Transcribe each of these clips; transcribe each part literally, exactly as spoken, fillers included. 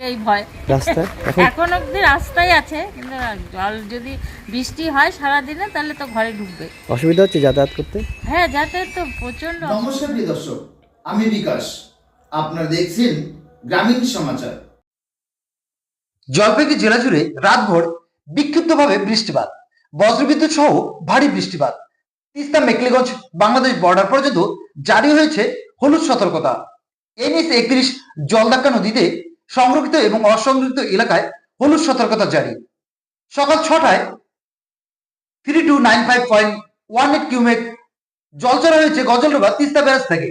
এই ভয় রাস্তা এখন অবধি রাস্তায় আছে, কিন্তু জল যদি বৃষ্টি হয় সারাদিনে তাহলে তো ঘরে ঢুকবে। অসুবিধা হচ্ছে যাতায়াত করতে? হ্যাঁ, যাতায়াত তো প্রচন্ড। নমস্কার প্রিয় দর্শক, আমি বিকাশ, আপনারা দেখছেন গ্রামীণ সমাচার। জলপাইগুড়ি জেলা জুড়ে রাতভর বিক্ষিপ্তভাবে বৃষ্টিপাত, বজ্রবিদ্যুৎ সহ ভারী বৃষ্টিপাত। তিস্তা মেকলিগঞ্জ বাংলাদেশ বর্ডার পর্যন্ত জারি হয়েছে হলুদ সতর্কতা। এনএইচ একত্রিশ জলদাক্কা নদীতে সংরক্ষিত এবং অসংরক্ষিত এলাকায় হলুদ সতর্কতা জারি। সকাল ছটায় three two nine five point one eight cumec জল ছাড়া হয়েছে গজলডোবা তিস্তা ব্যারাজ থেকে।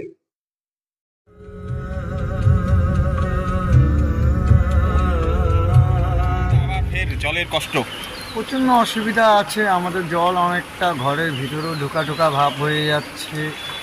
জলের কষ্ট প্রচণ্ড অসুবিধা আছে আমাদের। জল অনেকটা ঘরের ভিতরেও ঢোকা ঢোকা ভাব হয়ে যাচ্ছে।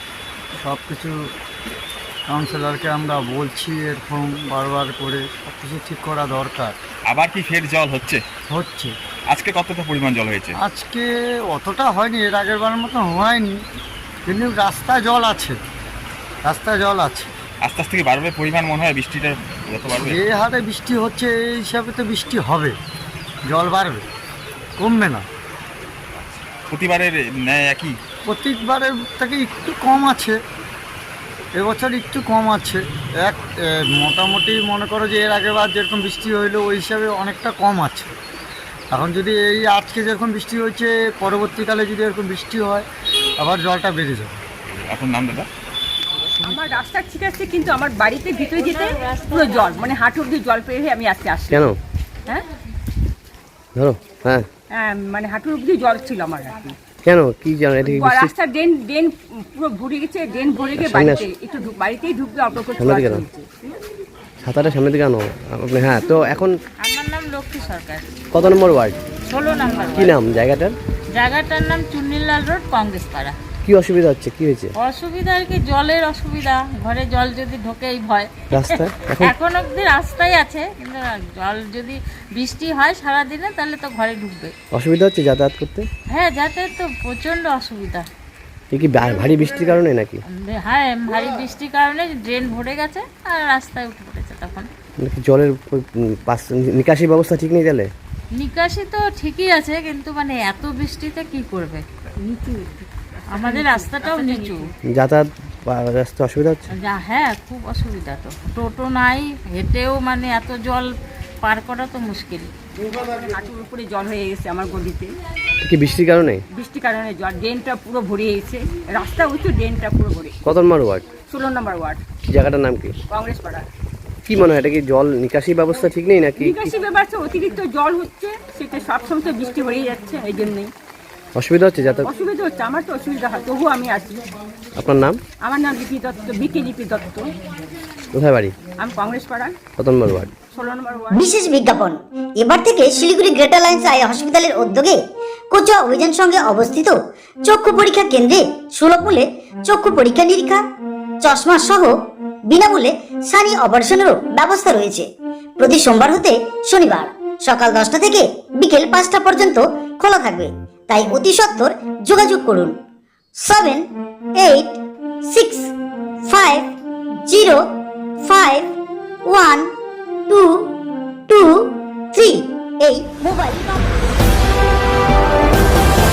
সব কিছু কাউন্সিলরকে আমরা বলছি এরকম বারবার করে, সব কিছু ঠিক করা দরকার। আবার কি ফের জল হচ্ছে? হচ্ছে। আজকে কতটা পরিমাণ জল হয়েছে? আজকে অতটা হয়নি, এর আগের বারের মতো হয়নি, কিন্তু রাস্তায় জল আছে, রাস্তায় জল আছে। আস্তে আস্তে কি বাড়বে পরিমাণ মনে হয়? বৃষ্টিটা যত বাড়বে, যে হারে বৃষ্টি হচ্ছে এই হিসাবে তো বৃষ্টি হবে, জল বাড়বে, কমবে না। প্রতিবারের ন্যায় একই? প্রত্যেকবারের থেকে একটু কম আছে, এবছর একটু কম আছে। এক মোটামুটি মনে করো যে এর আগেবার যেরকম বৃষ্টি হইলো ওই হিসাবে অনেকটা কম আছে। এখন যদি এই আজকে যেরকম বৃষ্টি হয়েছে, পরবর্তীকালে যদি এরকম বৃষ্টি হয় আবার জলটা বেড়ে যাবে। আপনার নাম দাদা? আমার রাস্তা ঠিক আছে, কিন্তু আমার বাড়িতে ভিতরে যেতে পুরো জল, মানে হাঁটু অব্দি জল পেয়ে আমি আসতে আসি। কেন? হ্যাঁ ধরো হ্যাঁ হ্যাঁ মানে হাঁটুর অব্দি জল ছিল আমার আর কি। কেন কি জানো? এটা কি বৃষ্টি? রাস্তা ড্রেন ড্রেন পুরো ভরে গেছে, ড্রেন ভরে গিয়ে বাড়িতে একটু ঢুক- বাড়িতেই ঢুকবে অল্প করে সামনে দিকে জল নাও। হয়েছে। ছাতাটা সামনে দিকে আনো আপনি। হ্যাঁ, তো এখন আমার নাম লক্ষ্মী সরকার, কত নম্বর ওয়ার্ড? ষোলো নম্বর। কি নাম জায়গাটার? জায়গাটার নাম চুন্নিলাল রোড, কংগ্রেস পাড়া। কি অসুবিধা হচ্ছে? কি হয়েছে? অসুবিধা আর কি, জলের অসুবিধা, ঘরে জল যদি ঢোকে এই ভয়। রাস্তা এখন এখন অবধি রাস্তায় আছে, কিন্তু জল যদি বৃষ্টি হয় সারাদিনে তাহলে তো ঘরে ঢুকবে। অসুবিধা হচ্ছে যাতায়াত করতে? হ্যাঁ, যাতায়াত তো প্রচন্ড অসুবিধা। এ কি ভা- ভারী বৃষ্টির কারণে নাকি? হ্যাঁ, ভারী বৃষ্টির কারণে ড্রেন ভরে গেছে আর রাস্তায় উঠে পড়েছে। তখন নাকি জলের উম, পাস নিকাশি ব্যবস্থা ঠিক নেই তাহলে? নিকাশি তো ঠিকই আছে, কিন্তু মানে এত বৃষ্টিতে কি করবে? নিচু আমাদের রাস্তাটাও নিচু। যাতায়াত বা- রাস্তা অসুবিধা হচ্ছে? যা হ্যাঁ, খুব অসুবিধা। তো টোটো নাই, হেঁটেও মানে এত জল পার করা তো মুশকিল। হাঁটুর উপরে জল হয়ে গেছে আমার গলিতে, এ কি বৃষ্টির কারণে? বৃষ্টির কারণে জল, ড্রেনটা পুরো ভরে গেছে, রাস্তা উঁচু, ড্রেনটা পুরো ভরে। কত নম্বর ওয়ার্ড? ষোলো নম্বর ওয়ার্ড, জায়গাটার নাম কি? কংগ্রেস পাড়া। কি মনে হয় এটা কি জল নিকাশি ব্যবস্থা ঠিক নেই নাকি? নিকাশি ব্যবস্থা অতিরিক্ত জল হচ্ছে, সেটা সবসময় তো বৃষ্টি হয়ে যাচ্ছে, এই জন্যই অসুবিধা হচ্ছে যাতায়াত? অসুবিধা হচ্ছে। আমার তো অসুবিধা হয়, তবুও আমি আছি। আপনার নাম? আমার নাম লিপি দত্ত, বিকে লিপি দত্ত। কোথায় বাড়ি? আমি কংগ্রেস পাড়া, কত নম্বর ওয়ার্ড? ষোলো নম্বর ওয়ার্ড। বিশেষ বিজ্ঞাপন। এবার থেকে শিলিগুড়ি গ্রেটার লাইন্স আই হসপিটালের উদ্যোগে কোচুয়া অভিযান সঙ্গে অবস্থিত চক্ষু পরীক্ষা কেন্দ্রে সুলভ মূল্যে চক্ষু পরীক্ষা নিরীক্ষা, চশমা সহ বিনামূল্যে সানি অপারেশনেরও ব্যবস্থা রয়েছে। প্রতি সোমবার হতে শনিবার সকাল দশটা থেকে বিকেল পাঁচটা পর্যন্ত খোলা থাকবে, তাই অতি সত্বর যোগাযোগ করুন seven eight six five zero five one two two three এই মোবাইল নম্বর।